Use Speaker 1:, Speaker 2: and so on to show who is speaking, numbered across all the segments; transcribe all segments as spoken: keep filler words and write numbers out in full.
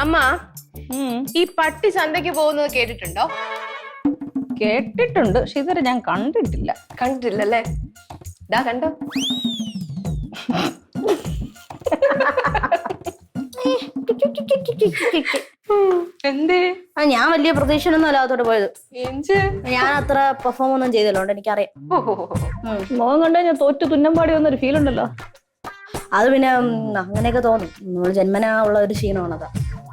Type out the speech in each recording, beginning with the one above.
Speaker 1: അമ്മ ഈ പട്ടി ചന്തയ്ക്ക് പോകുന്നത് കേട്ടിട്ടുണ്ടോ?
Speaker 2: കേട്ടിട്ടുണ്ട്, പക്ഷെ ഇതുവരെ ഞാൻ കണ്ടിട്ടില്ല.
Speaker 1: കണ്ടിട്ടില്ലല്ലേ? ഇതാ കണ്ടോ?
Speaker 3: എന്തേ?
Speaker 4: ഞാൻ വലിയ പ്രതീക്ഷയൊന്നും അല്ലാത്തോട്ട് പോയത്. ഞാൻ അത്ര പെർഫോം ഒന്നും ചെയ്തല്ലോണ്ട് എനിക്കറിയാം.
Speaker 2: മുഖം കണ്ടു ഞാൻ തോറ്റു തുന്നമ്പാടി വന്നൊരു ഫീൽ ഉണ്ടല്ലോ.
Speaker 4: അത് പിന്നെ അങ്ങനെയൊക്കെ തോന്നും. നമ്മൾ ജന്മനാ ഉള്ള ഒരു ക്ഷീണമാണതാ.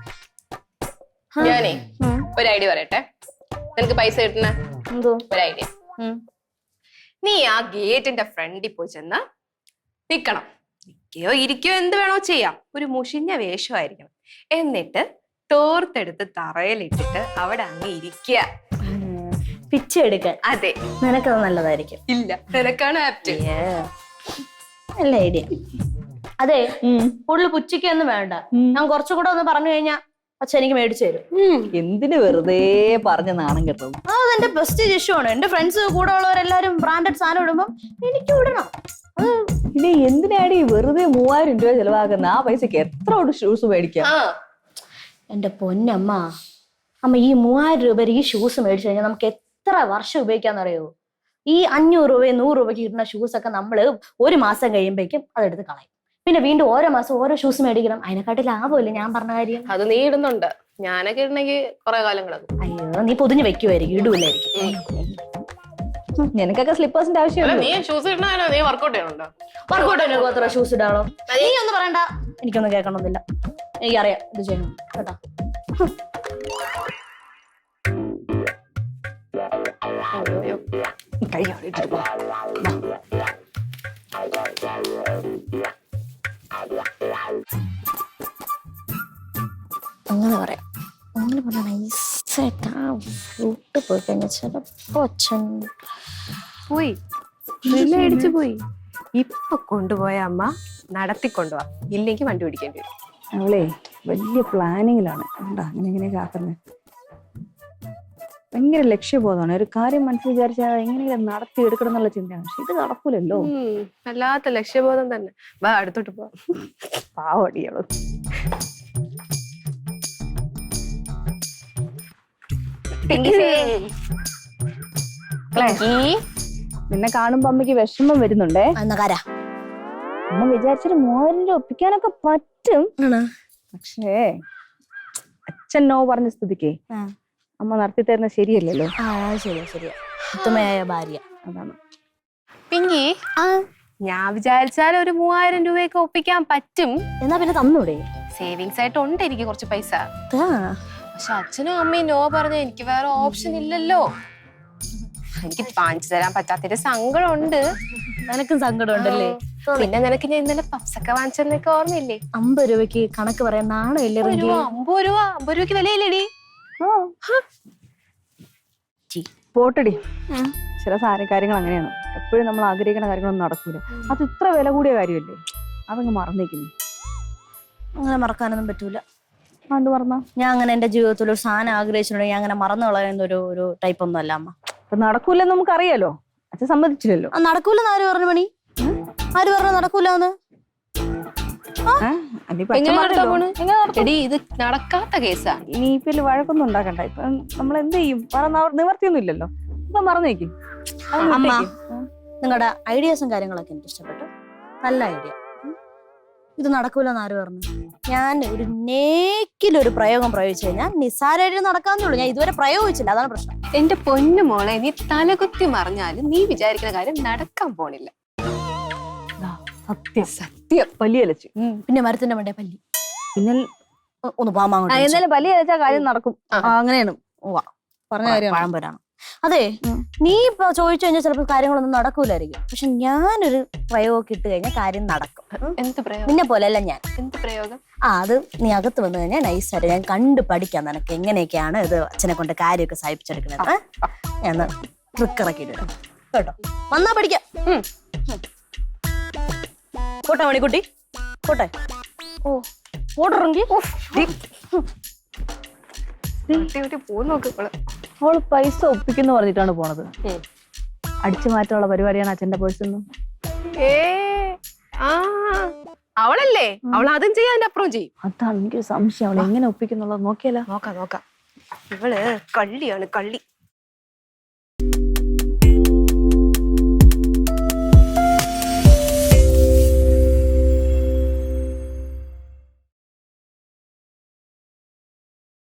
Speaker 1: ഞാനേ ഒരു ഐഡിയ പറയട്ടെ. നിനക്ക് പൈസ കിട്ടണ
Speaker 4: എന്തോ
Speaker 1: ഒരു ഐഡിയ. നീ ആ ഗേറ്റിന്റെ ഫ്രണ്ടിൽ പോയി ചെന്ന് നിക്കണം. നിക്കയോ ഇരിക്കയോ എന്ത് വേണോ ചെയ്യാം. ഒരു മുഷിഞ്ഞ വേഷമായിരിക്കണം. എന്നിട്ട് തോർത്തെടുത്ത് തറയിലിട്ടിട്ട് അവിടെ അങ്ങ് ഇരിക്കുക.
Speaker 4: പിച്ചെടുക്കാൻ.
Speaker 1: അതെ,
Speaker 4: നിനക്കത് നല്ലതായിരിക്കും.
Speaker 1: ഇല്ല, നിനക്കാണ് ആപ്റ്റ്.
Speaker 4: നല്ല ഐഡിയ. അതെ, കൂടുതൽ പുച്ചിക്കൊന്നും വേണ്ട. ഞാൻ കുറച്ചുകൂടെ ഒന്ന് പറഞ്ഞു കഴിഞ്ഞാ അച്ഛൻ എനിക്ക് മേടിച്ചു തരും.
Speaker 2: എന്തിന് വെറുതെ പറഞ്ഞ നാണം കേട്ടോ.
Speaker 4: അതെന്റെ ബെസ്റ്റ് ഇഷ്യമാണ്. എന്റെ ഫ്രണ്ട്സ് കൂടെ ഉള്ളവരെല്ലാരും ബ്രാൻഡഡ് സാധനം ഇടുമ്പോ എനിക്ക് ഇടണം.
Speaker 2: ഇനി എന്തിനാടി വെറുതെ മൂവായിരം രൂപ ചെലവാക്കുന്ന? ആ പൈസക്ക് എത്ര ഷൂസ് മേടിക്കാം?
Speaker 4: എന്റെ പൊന്നമ്മ, അമ്മ ഈ മൂവായിരം രൂപ ഈ ഷൂസ് മേടിച്ചു കഴിഞ്ഞാൽ നമുക്ക് എത്ര വർഷം ഉപയോഗിക്കാന്നറിയോ? ഈ അഞ്ഞൂറ് രൂപയും നൂറ് രൂപയ്ക്ക് കിട്ടുന്ന ഷൂസ് ഒക്കെ നമ്മള് ഒരു മാസം കഴിയുമ്പോഴേക്കും അതെടുത്ത് കളയും. പിന്നെ വീണ്ടും ഓരോ മാസം ഓരോ ഷൂസ് മേടിക്കണം. അതിനെക്കാട്ടി ലാഭമില്ല ഞാൻ പറഞ്ഞ കാര്യം.
Speaker 1: അത് നീ ഇടുന്നുണ്ട്, ഞാനൊക്കെ ഇടണമെങ്കിൽ കുറെ കാലം കിടക്കും.
Speaker 4: അയ്യോ, നീ പൊതിഞ്ഞ് വെക്കുമായിരിക്കും, ഇടൂലായിരിക്കും.
Speaker 2: നിനക്കൊക്കെ സ്ലിപ്പേഴ്സിന്റെ ആവശ്യമില്ല.
Speaker 1: നീ ഷൂസ് ഇടണോ? നീ വർക്കൗട്ട് ചെയ്യണുണ്ടോ?
Speaker 4: വർക്കൗട്ട് ചെയ്യണോ? അത്ര ഷൂസ് ഇടാണോ? നീ ഒന്നും പറയണ്ട, എനിക്കൊന്നും കേൾക്കണമെന്നില്ല. എനിക്കറിയാം ഇത് ചെയ്യണം കേട്ടോ. അങ്ങനെ പറയാം. അങ്ങനെ പറഞ്ഞ നൈസായിട്ട് ആ ഫ്രൂട്ട് പോയി കഴിഞ്ഞാൽ ചിലപ്പോ അച്ഛൻ
Speaker 1: പോയി അടിച്ചു പോയി. ഇപ്പൊ കൊണ്ടുപോയ അമ്മ നടത്തിക്കൊണ്ടുപോവാ, ഇല്ലെങ്കിൽ വണ്ടി പിടിക്കേണ്ടി വരും.
Speaker 2: അവളെ വലിയ പ്ലാനിങ്ങിലാണ്. എന്താ അങ്ങനെ ഇങ്ങനെയൊക്കെ ആക്കുന്നത്? ഭയങ്കര ലക്ഷ്യബോധമാണ്. ഒരു കാര്യം മനസ്സിൽ വിചാരിച്ചാൽ എങ്ങനെയെങ്കിലും നടത്തി എടുക്കണം എന്നുള്ള ചിന്തയാണ്. പക്ഷെ ഇത് നടക്കൂലല്ലോ.
Speaker 1: വല്ലാത്ത ലക്ഷ്യബോധം തന്നെ. വാ അടുത്തോട്ട് പോ.
Speaker 2: പാവടികള്. നിന്നെ കാണുമ്പോ അമ്മയ്ക്ക് വിഷമം വരുന്നുണ്ടേ. അമ്മ വിചാരിച്ചിട്ട് മൂവായിരം രൂപ ഒപ്പിക്കാനൊക്കെ പറ്റും. പക്ഷേ അച്ഛൻ നോ പറഞ്ഞ സ്ഥിതിക്ക് അമ്മ നടത്തി തരുന്ന ശരിയല്ലല്ലോ.
Speaker 4: ശരിയാ ശരിയാ ഉത്തമയായ ഭാര്യ.
Speaker 2: അതാണ്.
Speaker 1: പിങ്കി, ഞാൻ വിചാരിച്ചാൽ ഒരു മൂവായിരം രൂപയൊക്കെ ഒപ്പിക്കാൻ പറ്റും.
Speaker 4: എന്നാ പിന്നെ തന്നൂടെ?
Speaker 1: സേവിങ്സ് ആയിട്ട് ഉണ്ട് എനിക്ക് കുറച്ച് പൈസ. പക്ഷെ അച്ഛനും അമ്മയും നോ പറഞ്ഞ എനിക്ക് വേറെ ഓപ്ഷൻ ഇല്ലല്ലോ. എനിക്ക് വാങ്ങിച്ചു തരാൻ പറ്റാത്തൊരു സങ്കടം ഉണ്ട്.
Speaker 4: നിനക്കും സങ്കടം ഉണ്ടല്ലേ?
Speaker 1: പിന്നെ നിനക്ക് ഞാൻ ഇന്നലെ പപ്സൊക്കെ വാങ്ങിച്ചെന്നൊക്കെ ഓർമ്മയില്ലേ?
Speaker 4: അമ്പത് രൂപയ്ക്ക് കണക്ക് പറയാൻ നാണമില്ലേ?
Speaker 1: അമ്പത് രൂപ അമ്പത് രൂപയ്ക്ക് വിലയില്ലേടി?
Speaker 2: പോട്ടടി, ചില സാര കാര്യങ്ങൾ അങ്ങനെയാണ്. എപ്പോഴും നമ്മൾ ആഗ്രഹിക്കുന്ന കാര്യങ്ങളൊന്നും നടക്കൂല. അത് ഇത്ര വില കൂടിയ കാര്യമല്ലേ? അതങ്ങ് മറന്നേക്കുന്നു.
Speaker 4: അങ്ങനെ മറക്കാനൊന്നും പറ്റൂല.
Speaker 2: അത് മറന്നാ?
Speaker 4: ഞാൻ അങ്ങനെ എന്റെ ജീവിതത്തിൽ ഒരു സാധനം ആഗ്രഹിച്ചിട്ടുണ്ടെങ്കിൽ ഞാൻ അങ്ങനെ മറന്നു കളയുന്ന ഒരു ഒരു ടൈപ്പ് ഒന്നും അല്ല അമ്മ.
Speaker 2: അപ്പൊ നടക്കൂലെന്ന് നമുക്കറിയാലോ. അച്ഛൻ സമ്മതിച്ചില്ലല്ലോ.
Speaker 4: നടക്കൂലെന്ന് ആര് പറഞ്ഞു മണി? ആര് പറഞ്ഞു നടക്കൂലെന്ന്?
Speaker 1: ഇത് നടക്കാത്ത കേസാ.
Speaker 2: ഇനി ഇപ്പൊ വഴക്കൊന്നും ഉണ്ടാക്കണ്ട. ഇപ്പൊ നമ്മൾ എന്ത് ചെയ്യും? നിവർത്തിയൊന്നും ഇല്ലല്ലോ. ഇപ്പൊ മറന്നേക്കും.
Speaker 4: അമ്മ, നിങ്ങളുടെ ഐഡിയാസും കാര്യങ്ങളൊക്കെ എനിക്ക് ഇഷ്ടപ്പെട്ടു. നല്ല ഐഡിയ. ഇത് നടക്കൂലെന്ന് ആര് പറഞ്ഞു? ഞാൻ ഒരു നേക്കിലൊരു പ്രയോഗം പ്രയോഗിച്ചു കഴിഞ്ഞാൽ നിസ്സാരമായിട്ട് നടക്കാവുന്നുള്ളൂ. ഞാൻ ഇതുവരെ പ്രയോഗിച്ചില്ല, അതാണ് പ്രശ്നം.
Speaker 1: എന്റെ പൊന്നു മോളെ, നീ തലകുത്തി മറിഞ്ഞാലും നീ വിചാരിക്കുന്ന കാര്യം നടക്കാൻ പോണില്ല.
Speaker 2: സത്യം സത്യം. പല്ലി അലച്ചു.
Speaker 4: പിന്നെ മരത്തിന്റെ മണ്ടേ പല്ലി.
Speaker 2: പിന്നെ
Speaker 4: ഒന്ന് പാമാ
Speaker 2: എന്നാലും പല്ലി അലച്ചാൽ കാര്യം നടക്കും. അങ്ങനെയാണ് പറഞ്ഞ കാര്യം.
Speaker 4: പഴംപൊരാണ്. അതെ, നീ ഇപ്പൊ ചോദിച്ചു കഴിഞ്ഞാൽ ചിലപ്പോൾ കാര്യങ്ങളൊന്നും നടക്കൂലായിരിക്കും. പക്ഷെ ഞാനൊരു പ്രയോഗം ഇട്ട് കഴിഞ്ഞാൽ കാര്യം നടക്കും.
Speaker 1: എന്ത് പ്രയോഗം?
Speaker 4: നിന്നെ പോലെയല്ല ഞാൻ.
Speaker 1: എന്ത് പ്രയോഗം?
Speaker 4: ആ, അത് നീ അകത്ത് വന്നു കഴിഞ്ഞാൽ നൈസായിട്ട് ഞാൻ കണ്ടു പഠിക്കാം നിനക്ക് എങ്ങനെയൊക്കെയാണ് ഇത് അച്ഛനെ കൊണ്ട് കാര്യമൊക്കെ സാധിപ്പിച്ചെടുക്കണത്. ഞാൻ ട്രിക്ക് ഇറക്കിയിട്ടിടാം കേട്ടോ. വന്നാ പഠിക്കാം. പോട്ടെ മണിക്കുട്ടി, പോട്ടെ. ഓ ഓടറെങ്കിൽ
Speaker 2: അവള് പൈസ ഒപ്പിക്കുന്നു പറഞ്ഞിട്ടാണ് പോണത്. അടിച്ചു മാറ്റാനുള്ള പരിപാടിയാണ് അച്ഛന്റെ പേഴ്സൊന്നും.
Speaker 1: ഏ ആ അവളല്ലേ അവൾ അതും ചെയ്യാൻ അതിന്റെ അപ്പുറം ചെയ്യും.
Speaker 2: അതാണ് എനിക്കൊരു സംശയം, അവൾ എങ്ങനെ ഒപ്പിക്കുന്നുള്ളത് നോക്കിയാലോ.
Speaker 1: നോക്കാം നോക്കാം. ഇവള് കള്ളിയാണ് കള്ളി.